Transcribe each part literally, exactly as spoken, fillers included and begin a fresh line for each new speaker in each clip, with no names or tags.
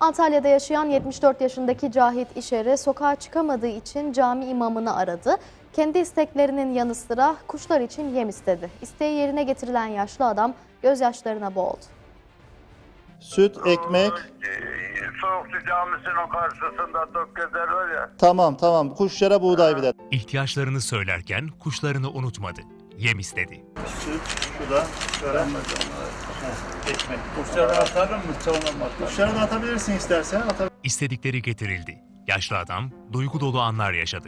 Antalya'da yaşayan yetmiş dört yaşındaki Cahit İşer'i sokağa çıkamadığı için cami imamını aradı. Kendi isteklerinin yanı sıra kuşlar için yem istedi. İsteği yerine getirilen yaşlı adam gözyaşlarına boğuldu.
Süt, ekmek.
Soğukçu Camisi'nin karşısında Tökkezer var ya.
Tamam tamam. Kuşlara buğday bir de.
İhtiyaçlarını söylerken kuşlarını unutmadı. Yem istedi.
Süt, şu da şöyle. Ekmek.
Kuşları atarım mı? Sonra mı atarım?
Kuşlara da atabilirsin istersen. Atabilirsin.
İstedikleri getirildi. Yaşlı adam duygu dolu anlar yaşadı.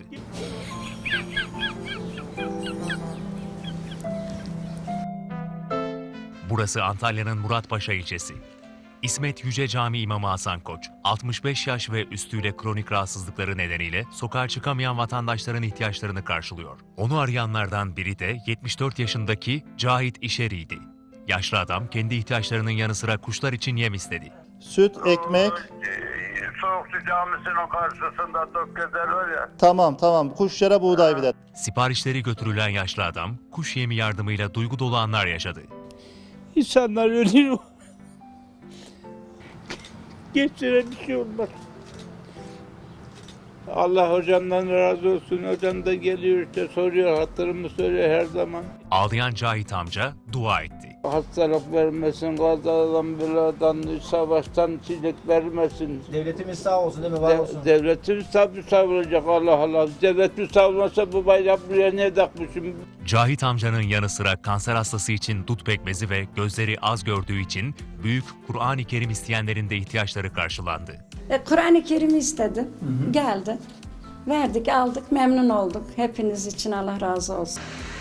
Burası Antalya'nın Muratpaşa ilçesi. İsmet Yüce Camii İmamı Hasan Koç, altmış beş yaş ve üstüyle kronik rahatsızlıkları nedeniyle sokağa çıkamayan vatandaşların ihtiyaçlarını karşılıyor. Onu arayanlardan biri de yetmiş dört yaşındaki Cahit İşer'iydi. Yaşlı adam kendi ihtiyaçlarının yanı sıra kuşlar için yem istedi.
Süt, ekmek.
Soğukçu Camisi'nin karşısında Tökkezer var ya.
Tamam tamam. Kuşlara buğday bir de.
Siparişleri götürülen yaşlı adam, kuş yemi yardımıyla duygu dolu anlar yaşadı.
İnsanlar ölüyor. Geçire bir şey olmaz. Allah hocamdan razı olsun. Hocam da geliyor işte soruyor, hatırımı söylüyor her zaman.
Ağlayan Cahit amca dua etti.
Hastalık vermesin, kazadan, beladan, savaştan çizik vermesin.
Devletimiz sağ olsun değil mi? Var olsun.
De- devletimiz tabi savrulacak Allah Allah. Devletimiz savrulmasa bu bayrak buraya niye takmışım?
Cahit amcanın yanı sıra kanser hastası için dut pekmezi ve gözleri az gördüğü için büyük Kur'an-ı Kerim isteyenlerin de ihtiyaçları karşılandı.
E, Kur'an-ı Kerim istedi. Hı hı. Geldi. Verdik, aldık, memnun olduk. Hepiniz için Allah razı olsun.